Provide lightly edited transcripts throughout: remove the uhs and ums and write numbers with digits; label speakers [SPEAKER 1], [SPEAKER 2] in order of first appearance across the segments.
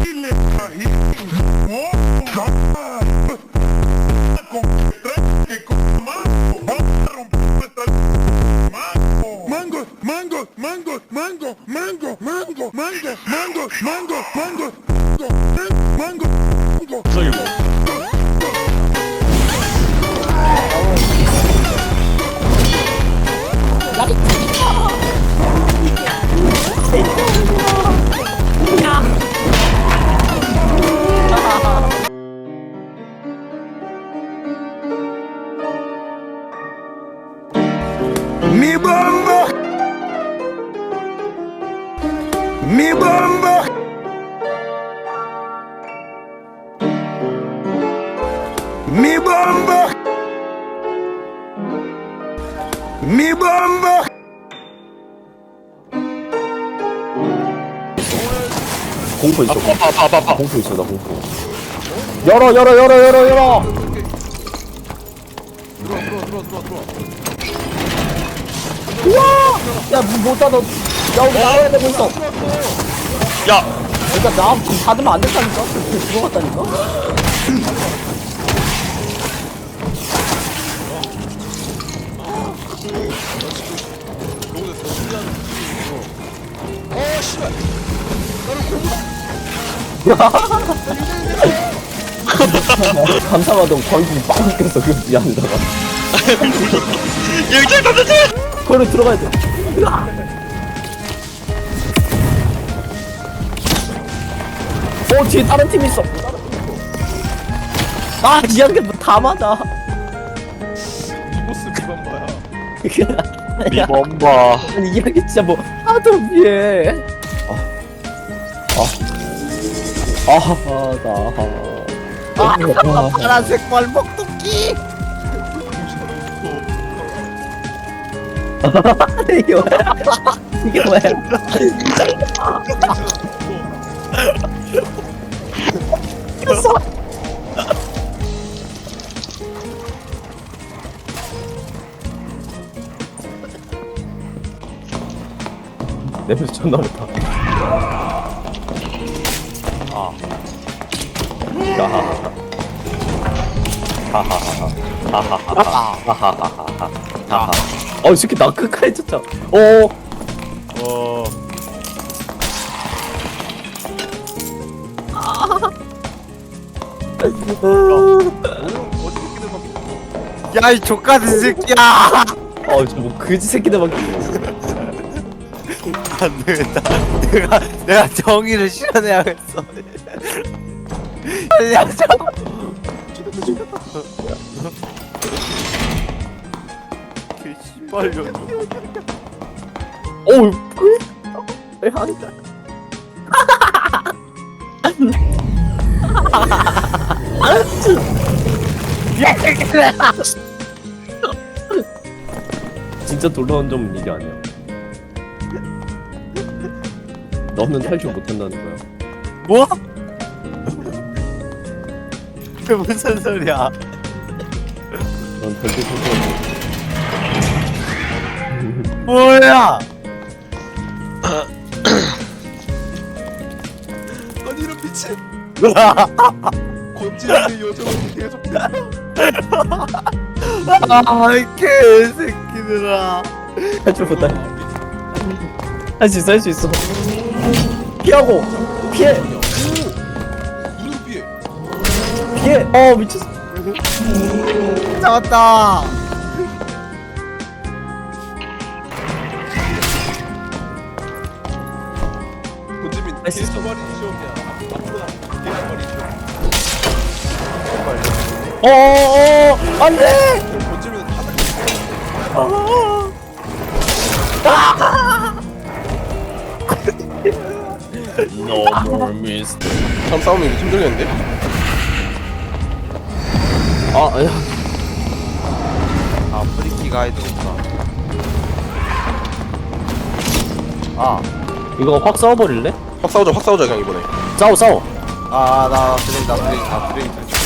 [SPEAKER 1] Mi bomba, mi bomba, mi bomba, mi bomba.
[SPEAKER 2] 공포 있어.
[SPEAKER 3] 아빠.
[SPEAKER 2] 공포 있어. 나 공포. 열어. 우와! 야, 문 못 닫아. 야, 우리 나와야 되고 있어.
[SPEAKER 3] 야!
[SPEAKER 2] 그러니까 나 지금 닫으면 안 된다니까? 들어갔다니까? 감사하던 거의 빵 꼈어. 그 미안하다가.
[SPEAKER 3] 여기 닫았지!
[SPEAKER 2] 거기로 들어가야 돼. 뒤에 다른 팀 있어. 아, 이한개 다 맞아.
[SPEAKER 4] 보스 비범바야.
[SPEAKER 3] 미범바.
[SPEAKER 2] 아니, 이한개 진짜 뭐 하도 위에. 파란색 발목도끼. 이게 뭐야? 이게 뭐야? 이겼어. 냄새 존나 좋다. 이 새끼 나 끝까지 쫓아.
[SPEAKER 4] 야, 이 족같은 새끼야!
[SPEAKER 2] 저뭐 그지 새끼들밖에.
[SPEAKER 4] 안 되겠다. 내가 정의를 실현해야겠어. 야, 개 씨발려.
[SPEAKER 2] 왜 한다? 진짜 돌아온 점은 이게 아니야. 너는 탈출 못한다는 거야.
[SPEAKER 4] 뭐? 그 무슨 소리야?
[SPEAKER 2] 넌 절대 탈출 못.
[SPEAKER 4] 뭐야? 아니 이런 미친. 건지는 요정은 계속. 이 개새끼들아.
[SPEAKER 2] 탈출 못해. 할 수 있어, 할 수 있어. 피하고 피해. 피해. 미쳤어.
[SPEAKER 4] 잡았다. 건지민
[SPEAKER 2] 할 수 있어.
[SPEAKER 4] 개수발이 시험이야. 앞으로 개수발이 시험.
[SPEAKER 2] 안돼.
[SPEAKER 4] 건지민 하나.
[SPEAKER 3] No more mist.
[SPEAKER 4] 참 싸움이 힘들겠는데? 프리키 가이드 없다.
[SPEAKER 2] 이거 확 싸워버릴래?
[SPEAKER 4] 확 싸우자 그냥 이번에.
[SPEAKER 2] 싸워.
[SPEAKER 4] 나 드레인.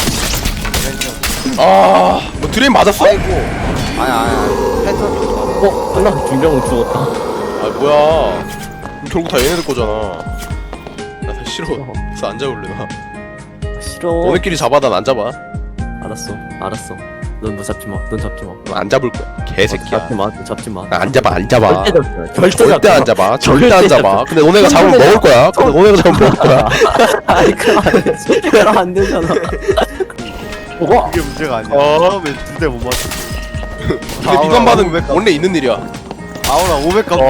[SPEAKER 4] 뭐 드레인 맞았어? 아이고. 아니. 패턴.
[SPEAKER 2] 끝나. 중병은 죽었다.
[SPEAKER 4] 뭐야. 결국 다 얘네들 거잖아. 나 다시 싫어. 그래서 안 잡을래 나.
[SPEAKER 2] 싫어.
[SPEAKER 4] 너네끼리 잡아 난 안 잡아.
[SPEAKER 2] 알았어. 넌 뭐 잡지 마. 넌 잡지 마.
[SPEAKER 4] 난 안 잡을 거야. 개새끼야.
[SPEAKER 2] 잡지 마. 넌 잡지 마.
[SPEAKER 4] 나 안 잡아 안 잡아.
[SPEAKER 2] 절대 잡지 마.
[SPEAKER 4] 절대 안 잡아. 절대 안 잡아. 근데 너네가 잡으면 먹을 거야. 근데 너네가 잡으면 먹을 거야.
[SPEAKER 2] 아니 그럼 안 되지. 그럼 안 되잖아. 와.
[SPEAKER 5] 이게 문제가 아니야. 처음에 두 대 못 맞췄어.
[SPEAKER 4] 근데 미관반은 원래 있는 일이야.
[SPEAKER 5] 아우라 500 값.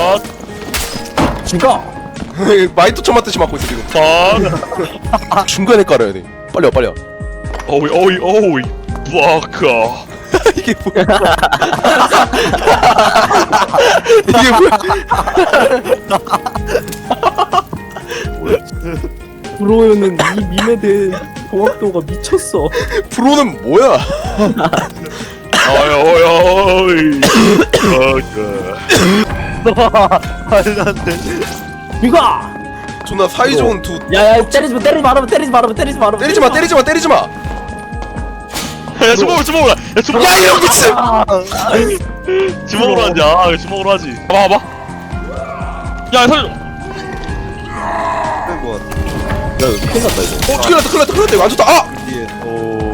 [SPEAKER 2] 죽어.
[SPEAKER 4] 마이토 쳐맞듯이 맞고 있어 지금. 중간에 깔아야 돼. 빨리 와 빨리 와.
[SPEAKER 3] 오이 와카.
[SPEAKER 4] 이게 뭐야? 이게 뭐야?
[SPEAKER 2] 브로우는 이 밈에 대한 정확도가 미쳤어.
[SPEAKER 4] 프로는 뭐야?
[SPEAKER 3] 오이 와카.
[SPEAKER 5] 말도 안 돼.
[SPEAKER 2] 죽어.
[SPEAKER 4] 존나 사이좋은 두.
[SPEAKER 2] 야야 때리지 마. 때리지 마.
[SPEAKER 4] 때리지 마.
[SPEAKER 3] 야 주먹으로 야 주먹.
[SPEAKER 4] 야 이런 미친.
[SPEAKER 3] 주먹으로 하지. 주먹으로 하지. 봐봐. 야 살려.
[SPEAKER 5] 뺀거 같아.
[SPEAKER 2] 야 이거 큰일 났다 이거.
[SPEAKER 4] 큰일 났다 이거 안 좋다. 아!
[SPEAKER 5] 율리엔. 오.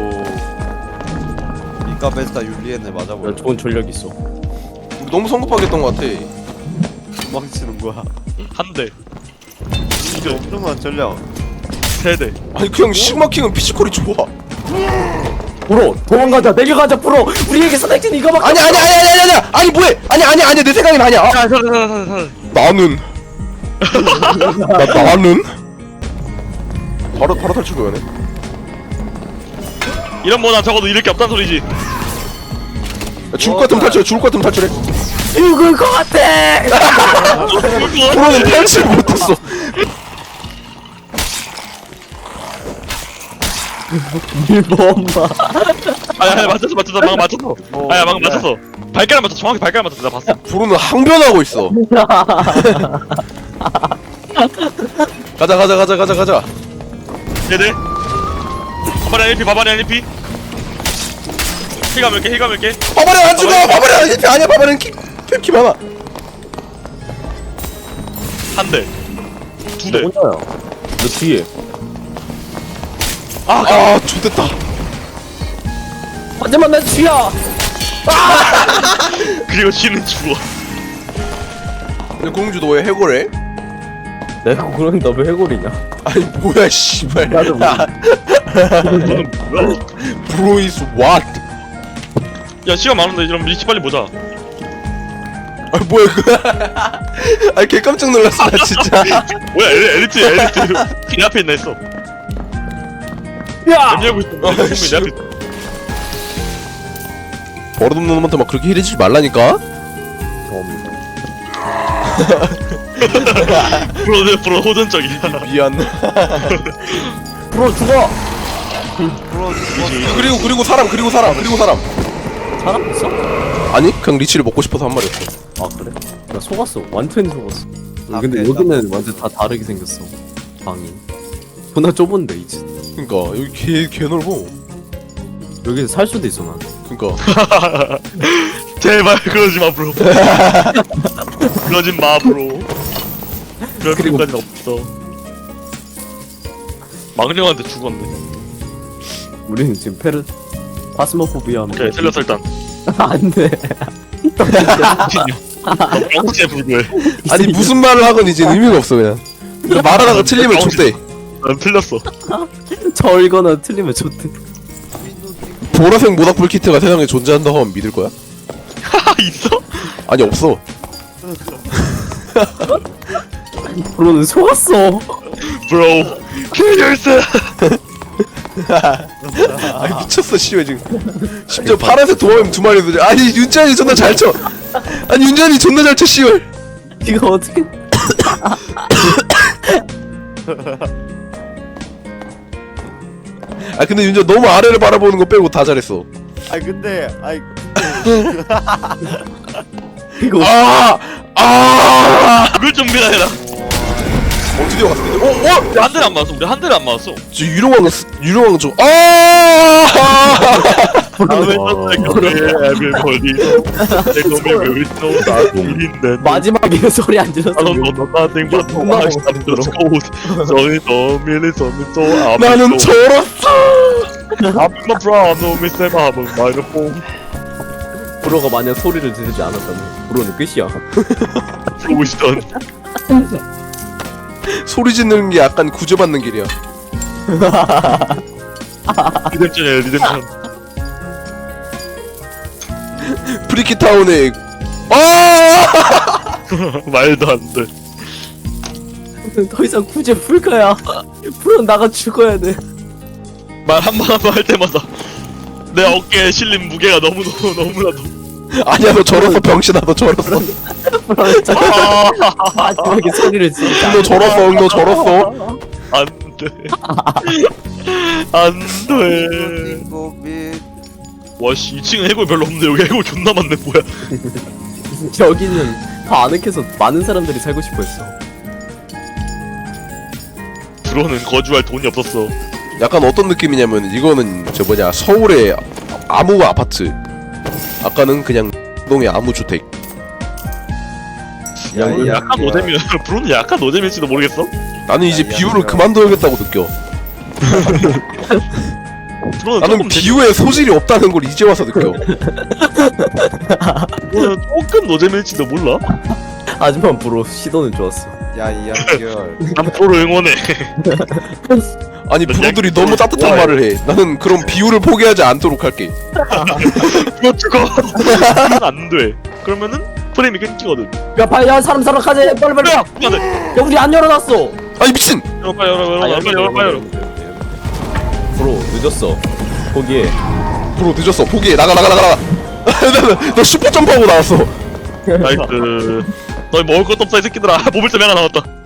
[SPEAKER 5] 미카 베스타 율리엔을 맞아버려.
[SPEAKER 2] 야 좋은 전력 있어.
[SPEAKER 4] 우리 너무 성급하게 했던 것 같아.
[SPEAKER 5] 도망치는 거야.
[SPEAKER 3] 한 대,
[SPEAKER 5] 이게 엄청난 전략.
[SPEAKER 3] 세 대.
[SPEAKER 4] 아니 그냥 시그마킹은 피지컬이 좋아.
[SPEAKER 2] 브로 도망가자. 내려가자 브로. 우리에게 선택지는 이거밖에.
[SPEAKER 4] 아니 아니 뭐해? 아니 내 생각엔 아니야. 아,
[SPEAKER 3] 야 살려.
[SPEAKER 4] 나는 나는 바로 탈출 거야네.
[SPEAKER 3] 이런 뭐나 적어도 이럴 게 없단 소리지.
[SPEAKER 4] 야, 죽을 것 같으면 탈출해.
[SPEAKER 2] 죽을 것 같아.
[SPEAKER 4] 프로는 탈출 못했어.
[SPEAKER 2] 일본마.
[SPEAKER 3] 아야 맞췄어. 방금 맞췄어. 아야 방금 맞췄어. 발가락 맞췄어. 정확히 발가락 맞췄어. 나 봤어.
[SPEAKER 4] 프로는 항변하고 있어. 가자.
[SPEAKER 3] 네네. 바바리 LP. 힐가 몇 개.
[SPEAKER 4] 바바리 안 죽어. 바바리 아니야. 바바리는 키 많아.
[SPEAKER 3] 한 대. 두 대.
[SPEAKER 2] 혼자야. 너 뒤에.
[SPEAKER 4] 아, 좋됐다.
[SPEAKER 2] 하지만 난 쥐야.
[SPEAKER 3] 그리고 쥐는 죽어.
[SPEAKER 4] 근데 공주 너 왜 해고래?
[SPEAKER 2] 내가 그러면 너 왜 해골이냐?
[SPEAKER 4] 아니 뭐야 씨발.
[SPEAKER 2] 나도 모르겠어.
[SPEAKER 3] 너는 뭐야?
[SPEAKER 4] Bro is what?
[SPEAKER 3] 야 시간 많은데 이런 리치 빨리 보자.
[SPEAKER 4] 아 뭐야 그? 아니 개 깜짝 놀랐어 나 진짜.
[SPEAKER 3] 뭐야 엘리트 내 앞에 있나 했어.
[SPEAKER 2] 야.
[SPEAKER 3] 연기하고 있어. 내 앞에 있어.
[SPEAKER 4] 버릇없는 놈한테 막 그렇게 힐해주지 말라니까.
[SPEAKER 3] 프로 호전적이야.
[SPEAKER 4] 미안.
[SPEAKER 2] 브로 죽어.
[SPEAKER 4] 그리고 사람.
[SPEAKER 2] 사람 있어?
[SPEAKER 4] 아니 그냥 리치를 먹고 싶어서 한 말이었어.
[SPEAKER 2] 아 그래? 나 속았어. 완전히 속았어.
[SPEAKER 5] 아,
[SPEAKER 2] 근데
[SPEAKER 5] 그래,
[SPEAKER 2] 여기는 완전 다 다르게 생겼어. 방이. 존나 좁은데 이제.
[SPEAKER 4] 그니까 여기 개 넓어.
[SPEAKER 2] 여기서 살 수도 있어 난.
[SPEAKER 4] 그니까
[SPEAKER 3] 제발 그러지 마 브로. 그러지 마 브로. 그럴
[SPEAKER 2] 그리고-
[SPEAKER 3] 필요까지 없어. 망령한테 죽었네.
[SPEAKER 2] 우리는 지금 파스모포비아.
[SPEAKER 3] 오케이 틀렸어 일단.
[SPEAKER 2] 안돼.
[SPEAKER 3] 엉치에 불구해.
[SPEAKER 4] 아니 무슨 말을 하건 이제 의미가 없어 그냥. 말하다가 틀리면 족대.
[SPEAKER 3] 난 틀렸어.
[SPEAKER 2] 저 읽거나 틀리면 좋대.
[SPEAKER 4] 보라색 모닥불 키트가 세상에 존재한다고 하면 믿을 거야?
[SPEAKER 3] 있어?
[SPEAKER 4] 아니 없어.
[SPEAKER 2] 브로는 속았어.
[SPEAKER 3] 브로. kill yourself.
[SPEAKER 4] 아니 미쳤어 씨발 지금. 심지어 파란색 도마뱀 두 마리도. 아니 윤찬이 존나 잘 쳐. 아니 윤찬이 존나 잘 쳐 씨발.
[SPEAKER 2] 이거 어떻게?
[SPEAKER 4] 아 근데 윤찬 너무 아래를 바라보는 거 빼고 다 잘했어.
[SPEAKER 5] 아니 근데
[SPEAKER 2] 이거
[SPEAKER 3] 그걸 준비나 해라.
[SPEAKER 4] 어떻게 갔어?
[SPEAKER 3] 한 대를 안 맞았어. 우리 한 대를 안 맞았어.
[SPEAKER 4] 저 유령왕 좀. 아!
[SPEAKER 3] 다음에 everybody 내가 왜 있어 나 우린데
[SPEAKER 2] 마지막에 소리 안 질렀어.
[SPEAKER 3] nothing but
[SPEAKER 2] 존나
[SPEAKER 3] I just go 저기 더 밀리서는 또
[SPEAKER 4] 나는 저렇어.
[SPEAKER 3] I'm my problem Mr. Mom 마이크폰
[SPEAKER 2] 브로가 만약 소리를 지르지 않았다면 브로는 끝이야.
[SPEAKER 3] 보시던
[SPEAKER 4] 소리 짓는 게 약간 구제받는 길이야.
[SPEAKER 3] 리뎀션이에요 리뎀션
[SPEAKER 4] 프리키타운에 아!
[SPEAKER 3] 말도 안돼
[SPEAKER 2] 더 이상 구제 풀 거야. 브로는 나가 죽어야 돼.
[SPEAKER 3] 말 한 번 한 번 할 때마다 내 어깨에 실린 무게가 너무나도
[SPEAKER 4] 아니야 너 저렇어 병신아 너 저렇어.
[SPEAKER 2] 브로는 저 마지막에 소리를 지르지
[SPEAKER 4] 너 저렇어 너 저렇어.
[SPEAKER 3] 안돼 안돼
[SPEAKER 5] 고민
[SPEAKER 3] 와씨 2층은 해골 별로 없는데 여기 해골 존나 많네 뭐야
[SPEAKER 2] 여기는 더 아늑해서 많은 사람들이 살고 싶어 했어.
[SPEAKER 3] 들어오는 거주할 돈이 없었어
[SPEAKER 4] 약간 어떤 느낌이냐면 이거는 저 뭐냐 서울의 아무 아파트. 아까는 그냥 동의 아무 주택.
[SPEAKER 3] 브로는 약간 노잼이야 브로는 약간 노잼일지도 모르겠어
[SPEAKER 4] 나는 이제
[SPEAKER 5] 야,
[SPEAKER 4] 비유를
[SPEAKER 5] 야.
[SPEAKER 4] 그만둬야겠다고 느껴.
[SPEAKER 3] 브로는
[SPEAKER 4] 나는
[SPEAKER 3] 조금
[SPEAKER 4] 비유에 소질이 없다는 걸 이제 와서 느껴.
[SPEAKER 3] 브로는 조금 노잼일지도 몰라
[SPEAKER 2] 하지만 브로 시도는 좋았어.
[SPEAKER 5] 야이 연결
[SPEAKER 3] 난 브로를 응원해
[SPEAKER 4] 아니 부부들이 너무 따뜻한 말을 해. 나는 그런 비유를 포기하지 않도록 할게.
[SPEAKER 3] 브로 죽어 그러면 안돼 그러면은 프레임이 끊기거든
[SPEAKER 2] 야 빨리 야 사람 가자 빨리 빨리. 야
[SPEAKER 3] 안돼
[SPEAKER 2] 우리 안 열어놨어.
[SPEAKER 4] 아니 미친.
[SPEAKER 3] 열어
[SPEAKER 2] 브로 늦었어. 거기에
[SPEAKER 4] 브로 늦었어. 포기해. 나가. 너 슈퍼 점프하고 나왔어.
[SPEAKER 3] 나이스 너희 먹을 것도 없어 이 새끼들아 먹을 때 하나 남았다